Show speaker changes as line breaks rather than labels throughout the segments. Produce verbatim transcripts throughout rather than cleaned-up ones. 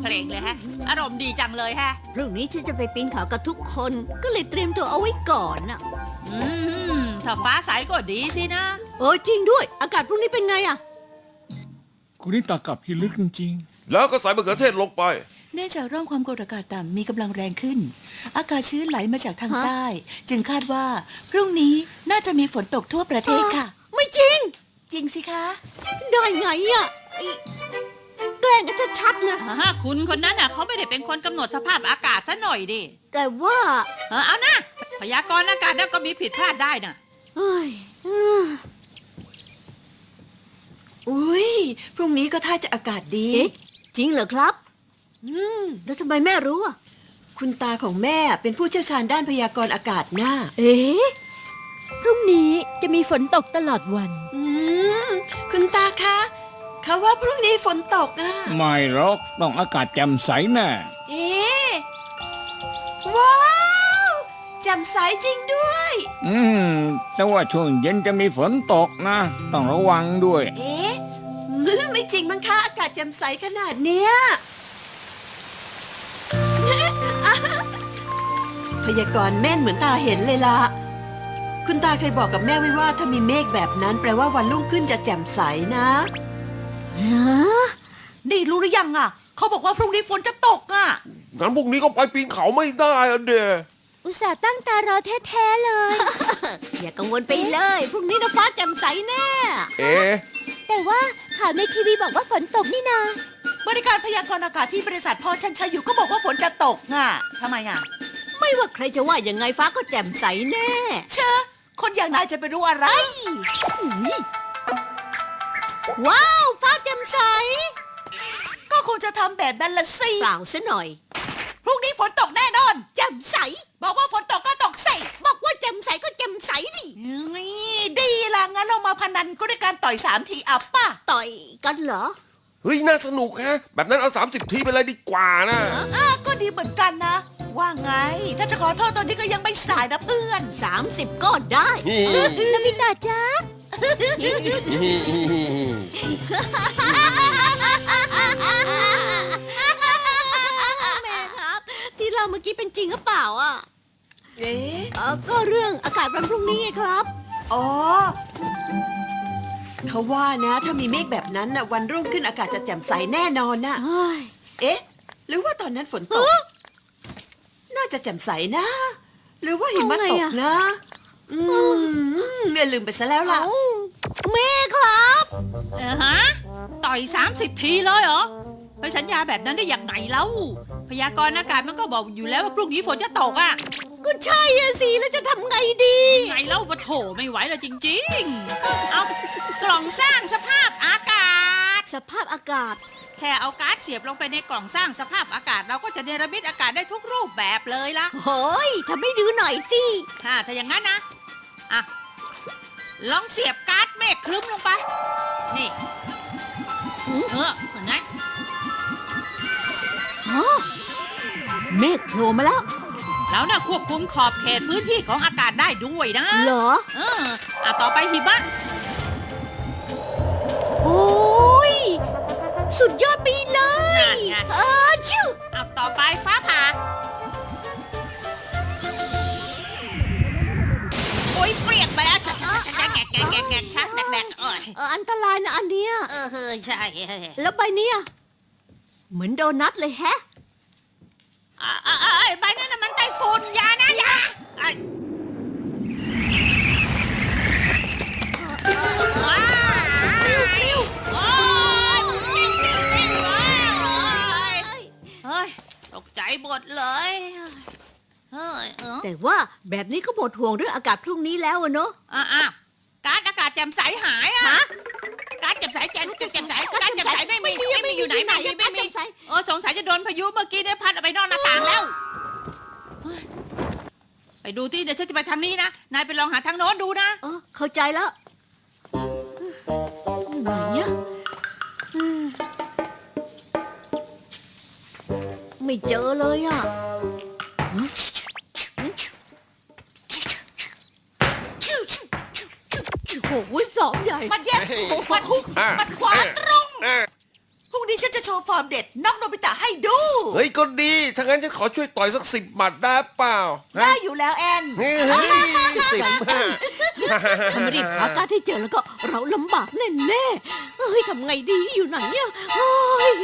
เพลงเลยฮะ อารมณ์ดีจังเลยฮะ
พรุ่งนี้ฉันจะไปปีนเขากับทุกคนก็เลยเตรียมตัวเอาไว้ก่อนน่ะ
อืมถ้าฟ้าใสก็ดีสินะ
เออจริงด้วยอากาศพรุ่งนี้เป็นไงอะ
คุณนี่ตากับพิลึกจริง
แล้วก็ใส่มะเขือเทศลงไป
เนื่องจากร่องความกดอากาศต่ำมีกำลังแรงขึ้น อากาศชื้นไหลมาจากทางใต้ จึงคาดว่าพรุ่งนี้น่าจะมีฝนตกทั่วประเทศค่ะ
ไม่จริง
จริงสิคะ
ได้ไงอะไอ้แกล้งกันชัดๆนะ
ฮะคุณคนนั้นน่ะเขาไม่ได้เป็นคนกำหนดสภาพอากาศซะหน่อยดิ
แต่ว่า
เออเอานะพยากรณ์อากาศแล้วก็มีผิดพลาดได้น่ะ
เฮ้ยอืม
อุ้ยพรุ่งนี้ก็ท่าจะอากาศดี
เอ๊ะจริงเหรอครับอืมแล้วทำไมแม่รู้อะ
คุณตาของแม่เป็นผู้เชี่ยวชาญด้านพยากรณ์อากาศน่า
เอ๊ะ
พรุ่งนี้จะมีฝนตกตลอดวัน
อืมคุณตาคะเขาว่าพรุ่งนี้ฝนตกอ่ะ
ๆ ไม่หรอกต้องอากาศแจ่มใสแน่
เอ๊ะว้าวแจ่มใสจริงด้วย
อืม แต่ว่าช่วงเย็นจะมีฝนตกนะ ต้องระวังด้วย
เอ๊ะไม่จริงมั้งคะอากาศแจ่มใสขนาดเนี้ย พยากรณ์แม่นเหมือนตาเห็นเลยล่ะ คุณตาเคยบอกกับแม่ไว้ว่าถ้ามีเมฆแบบนั้นแปลว่าวันรุ่งขึ้นจะแจ่มใสนะ
ฮะ
นี่รู้หรือยังอ่ะ เขาบอกว่าพรุ่งนี้ฝนจะตกอ่ะ
งั้นพวกนี้ก็ไปปีนเขาไม่ได้อะเด
อุตส่าห์ตั้งตารอแท้ๆเลย
อย่ากังวลไปเลยพรุ่งนี้นะฟ้าแจ่มใสแน่
เอ๊ะ
แต่ว่าข่าวในทีวีบอกว่าฝนตกนี่นา
บริการพยากรณ์อากาศที่บริษัทพ่อฉันใช้อยู่ก็บอกว่าฝนจะตกอ่ะทำไมอ่ะ
ไม่ว่าใครจะว่ายังไงฟ้าก็แจ่มใสแน่
เชอคนอย่างนายจะไปรู้อะไร
ว้าวฟ้าแจ่มใส
ก็คงจะทำแบบนั้นละสิ
เปล่าซะหน่อย
พรุ่งนี้ฝนตกแน่นอน
แจ่มใส
บอกว่าฝนตกก็ตกสิ
บอกว่าแจ่มใสก็แจ่มใสดิ
นี่ดีละงั้นเรามาพนันก็ด้วยการต่อยสามทีอับป่ะ
ต่อยกันเหรอ
เฮ้ย น่าสนุกแฮะ แบบนั้นเอาสามสิบทีไปเลยดีกว่านะ
อ้าก็ดีเหมือนกันนะ ว่าไง ถ้าจะขอโทษตอนนี้ก็ยังไม่สายนะเพื่อน
สามสิบก็ได้
นบิตาจ้า
แม่ครับ ที่เราเมื่อกี้เป็นจริงหรือเปล่าอ่ะ
เอ๊ะ
เออก็เรื่องอากาศวันพรุ่งนี้ไงครับ
อ๋อ เขาว่านะถ้ามีเมฆแบบนั้นนะวันรุ่งขึ้นอากาศจะแจ่มใสแน่นอนนะ
เฮ้ย
เอ๊ะ หรือว่าตอนนั้นฝนตก น่าจะแจ่มใสนะ หรือว่าหิมะตกนะ อืมเนี่ยลืมไปซะแล้วล่ะ
เอ้าแม่ครับ
เออฮะ ต่อยสามสิบทีเลยเหรอ ไปสัญญาแบบนั้นได้อย่างไงเล่า พยากรณ์อากาศมันก็บอกอยู่แล้วว่าพรุ่งนี้ฝนจะตกอ่ะ
ก็ใช่อะสิ แล้วจะทำไงดี
ไงเล่าปะโถไม่ไหวเลยจริงๆ เอากล่องสร้างสภาพอากาศ
สภาพอากาศ
แค่เอาการ์ดเสียบลงไปในกล่องสร้างสภาพอากาศเราก็จะเนรมิตอากาศได้ทุกรูปแบบเลยละ
โฮ้ยทำให้ดูหน่อยสิ
ถ้าถ้าอย่างนั้นนะ อ่ะ ลองเสียบการ์ดเมฆครึ้มลงไป นี่ เออเห็นไหม
เมฆโผล่มาแล้ว
แล้วน่ะควบคุมขอบเขตพื้นที่ของอากาศได้ด้วยนะ
เหรอ
เอออ่ะต่อไปหิมะ
โอ้ย สุดยอดไปเล
นั่
ย
นไง
เออชิว
เอาต่อไปฟ้าผ่า โอ้ยเปรียกไปแล้วชักชักชักแกะแกะแกะแกะชักแดกๆเอ้ย
เอออันตรายนะอันเนี้ย
เออเฮ้ยใช่
แล้วใบเนี้ยเหมือนโดนัทเลยแฮะ
อ่ะอ่ะอ่ะใบนั้นน่ะมันไต้ฝุ่นอยานะอยาไอ้ว้าวโอ้ยเฮ้ยตกใจหมดเลยเฮ้ยเออ
แต่ว่าแบบนี้ก็หมดห่วงเรื่องอากาศพรุ่งนี้แล้วอะเนาะ
อ่ะอ่ะการอากาศแจ่มใสหายอ่ะ
ฮะ
การแจ่มใสแจ่มแจ่มใสการแจ่มใสไม่มีไม่มีอยู่ไหนไม่มีไม่มีเออสงสัยจะโดนพายุเมื่อกี้ได้พัดเอาไปนอกหน้าต่างแล้วเฮ้ยไปดูที่เดี๋ยวฉันจะไปทางนี้นะนายไปลองหาทางโน้นดูนะ
เออเข้าใจแล้วไหนอะอืมไม่เจอเลยอะโอ้โหสองใหญ่
มันแยกมันหุกมันขวาตรง
เอ๊ะ
พรุ่งนี้ฉันจะโช
ว์ฟอร์มเด็ดน็อกโนบิตะให้ดู
เฮ้ยก็ดี ถ้างั้นฉันขอช่วยต่อยสักสิบหมัดได้เปล่า
ได้อยู่แล้วแอน
เฮ้ยสิบห้า
ถ้าไม่รีบหาการดให้เจอแล้วก็เราลำบากแน่ๆเฮ้ยทำไงดีอยู่ไหนอะเฮ้ย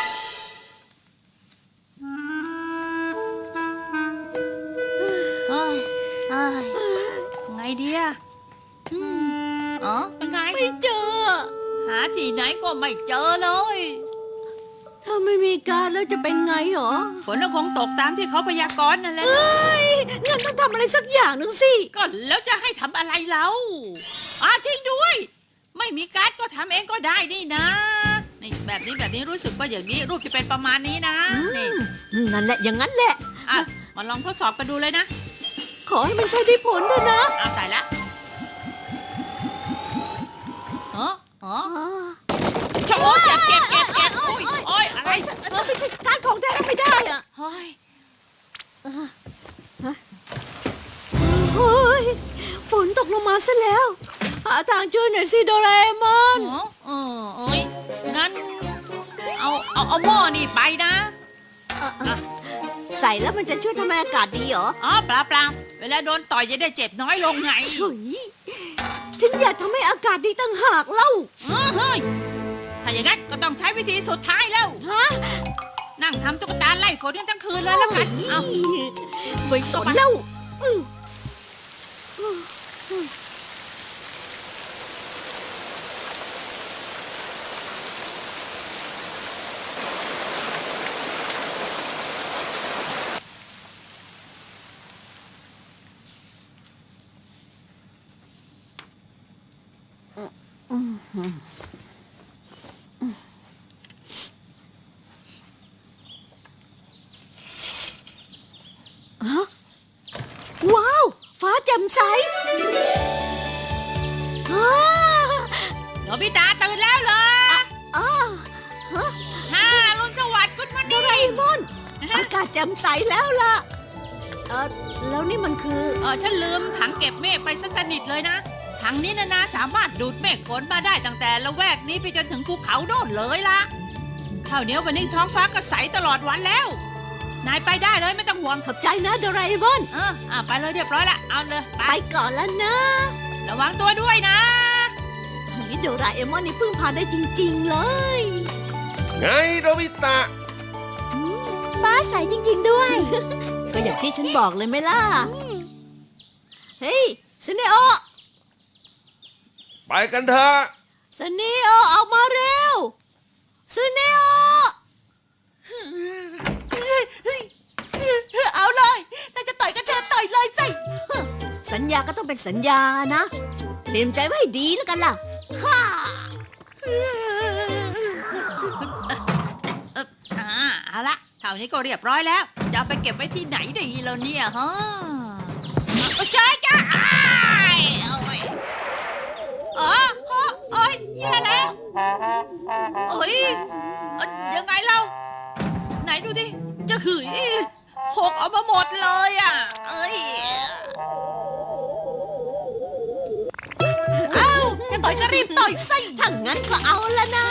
เอ้ยเอ้ยไงดีอะอืมเออเป็นไง
ไม่เจอ
หาที่ไหนก็ไม่เจอเลย
ถ้าไม่มีการดแล้วจะเป็นไงหรอ
ฝนก็คงตกตามที่เขาพยากรณ์นั่นแหละ
เฮ้ยงั้นต้องทำอะไรสักอย่างหนึ่งสิ
ก็แล้วจะให้ทำอะไรเราอ่าจริงด้วย ไม่มีการ์ดก็ทำเองก็ได้นี่นะนี่แบบนี้แบบนี้รู้สึกว่าอย่างนี้รูปจะเป็นประมาณนี้นะนี่
นั่นแหละอย่างนั้นแหละ
อ่ะมาลองทดสอบกันดูเลยนะ
ขอให้มันใช้ได้ผลด้วยนะ
เอาตายละเออเออ
อ๋อ
ชะโอ้เจ็บเจ็บเจ็บเจ็บโอ้ยโอ้ยอะไร
มันไม่ใช่การดของแท้ไม่ได้อะ
เฮ้ย
เฮ้ยฝนตกลงมาซะแล้วหาทางช่วยหน่อยสิโดราเอมอน
เออเออโอ้ยงั้นเอาเอาเอาหม้อนี่ไปนะ
ใส่แล้วมันจะช่วยทำให้อากาศดีเหรอ
อ๋อเปล่าเปล่าเวลาโดนต่อยจะได้เจ็บน้อยลงไง
เฉยฉันอยากทำให้อากาศดีตั้งหากเล่า
เออเฮ้ยถ้าอย่างนั้นก็ต้องใช้วิธีสุดท้ายแล้ว
ฮะ
นั่งทำตุ๊กตาไล่ฝนกันทั้งคืนเลยแล้วกัน เอา
ไม่สนแล้วอืม ว้าว ฟ้าแจ่มใสอ้า
โนบิตะตื่นแล้วเหรอ
อ้าฮะ
ฮ่ารุนสวัสดิ์กุดมัน
โด
ดี
ราเอมอน อากาศแจ่มใสแล้วล่ะ เออแล้วนี่มันคือ
เออฉันลืมถังเก็บเมฆไปซะสนิทเลยนะ ถังนี้นะนะสามารถดูดเมฆฝนมาได้ตั้งแต่ละแวกนี้ไปจนถึงภูเขาโน่นเลยล่ะคราวนี้วันนี้ท้องฟ้าก็ใสตลอดวันแล้ว นายไปได้เลยไม่ต้องห่วง
ขอบใจนะโดราเอมอน
เอออ่ะไปเลยเรียบร้อยละ เอาเลยไป
ไปก่อนแล้วนะ
ระวังตัวด้วยนะ
เฮ้ยโดราเอมอนนี่พึ่งพาได้จริง ๆ เลย
ไงโนบิตะ
ฟ้าใสจริง ๆ ด้วย ก็อย่างที่ฉันบอกเลยไหมล่ะ เฮ้ยสเนโอ
ไปกันเถอะ
สเนโอออกมาเร็วสเนโอ
เอาเลยถ้าจะต่อยก็เชิญต่อยเลยสิ
สัญญาก็ต้องเป็นสัญญานะ เตรียมใจไว้ให้ดีแล้วกันล่ะฮ่า
เอออ่าเอาละเท่านี้ก็เรียบร้อยแล้ว จะเอาไปเก็บไว้ที่ไหนดีแล้วเนี่ยฮะเออจ้าจ้าอ้ายโอ้ยเออเออเอ้ยแย่แล้วเอ้ยเอ้ยยังไงเราไหนดูดิจะหืยหกออกมาหมดเลยอ่ะเอ้ย
เอ้าจะต่อยก็รีบต่อยสิ
ถ้างั้นก็เอาละนะ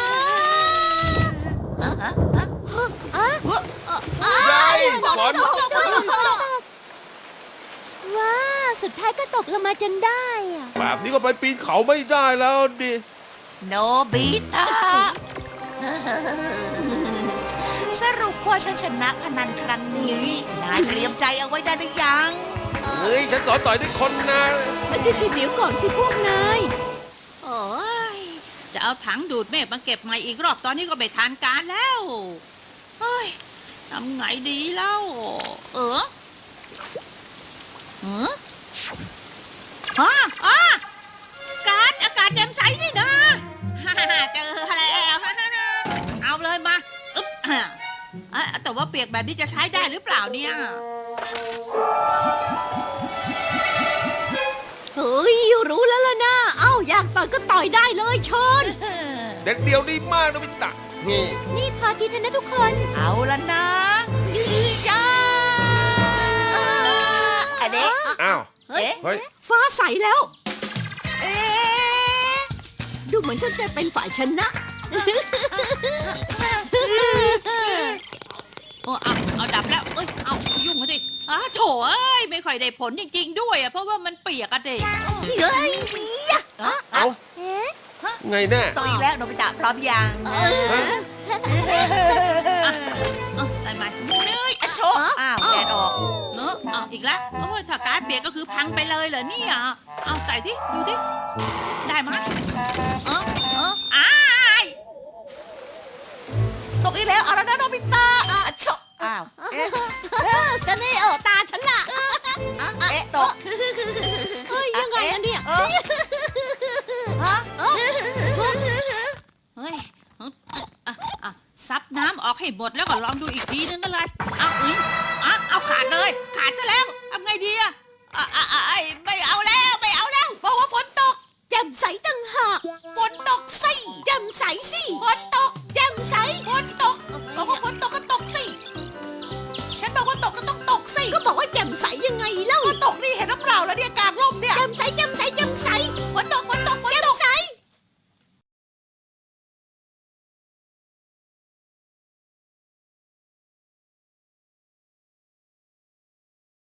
ไงฝน
ว้า สุดท้ายก็ตกลงมาจนได้อะ
แบบนี้ก็ไปปีนเขาไม่ได้แล้วดิ
โนบิตะสรุปว่าฉันชนะพนันครั้งนี้นายเตรียมใจเอาไว้ได้หรือยัง
เฮ้ย ฉันขอต่อยด้วยคนนะ
มันจะคือเดี๋ยวก่อนสิพวกนาย
โอ้ยจะเอาถังดูดเมฆมาเก็บใหม่อีกรอบตอนนี้ก็ไม่ทันการแล้วเฮ้ยทำไงดีเล่าเออเออฮะอ่ะการอากาศแจ่มใสนี่นะฮ่าฮ่าเจอแล้วฮ่าฮ่าฮ่าเอาเลยมาอึ๊บอ่ะอ่ะแต่ว่าเปียกแบบนี้จะใช้ได้หรือเปล่าเนี่ย
เฮ้ย รู้แล้วล่ะนะ เอ้า อยากต่อยก็ต่อยได้เลยเชิญ
เด็ดเดียวดีมากโนบิตะ นี่
นี่พอทีเถอะนะทุกคน
เอาละนะจ้าอันนี้
อ้าว
เฮ้ย
เฮ้ย
ฟ้าใสแล้ว
เอ๊ะ
ดูเหมือนฉันจะเป็นฝ่ายชนะ
โอ้เอาเอาดับแล้วเอ้ยเอายุ่งมาดิอ้าโถเอ้ยไม่ค่อยได้ผลจริงๆด้วยอะเพราะว่ามันเปียกอะเด็ก
เฮ้ย
เอา
เอ๊ะ
ไงแน่
ตกอีกแล้วโนบิตะพร้อมยัง
เอ้าได้ไหมเฮ้ยอะโช
อ้าวแดดออก
เนอะเอาอีกแล้วโอ้ยถ้าการดเปียกก็คือพังไปเลยเหรอเนี่ยเอาใส่ดิดูดิได้ไหมเออเอออ้าย
ตกอีกแล้วเอาแล้วนะโนบิตะอ่ะโชะอ้าวเอ๊ะ
สเนโอตาฉันล่ะ
อ่ะเอ๊ะตก
เฮ้ยยังไงอะเนี่ย
เออฮะ
เฮ้ยเอ้าอ่ะอ่ะอ่ะซับน้ำออกให้หมดแล้วก็ลองดูอีกทีนึงก็เลยเอาอึ้งอ่ะเอาขาดเลยขาดซะแล้วทำไงดีอะอ่ะอ่ะอ่ะไอ้ไม่เอาแล้วไม่เอาแล้ว
บอกว่าฝนตก
แจ่มใสตั้งหาก
ฝนตกสิ
แจ่มใสสิ
ฝน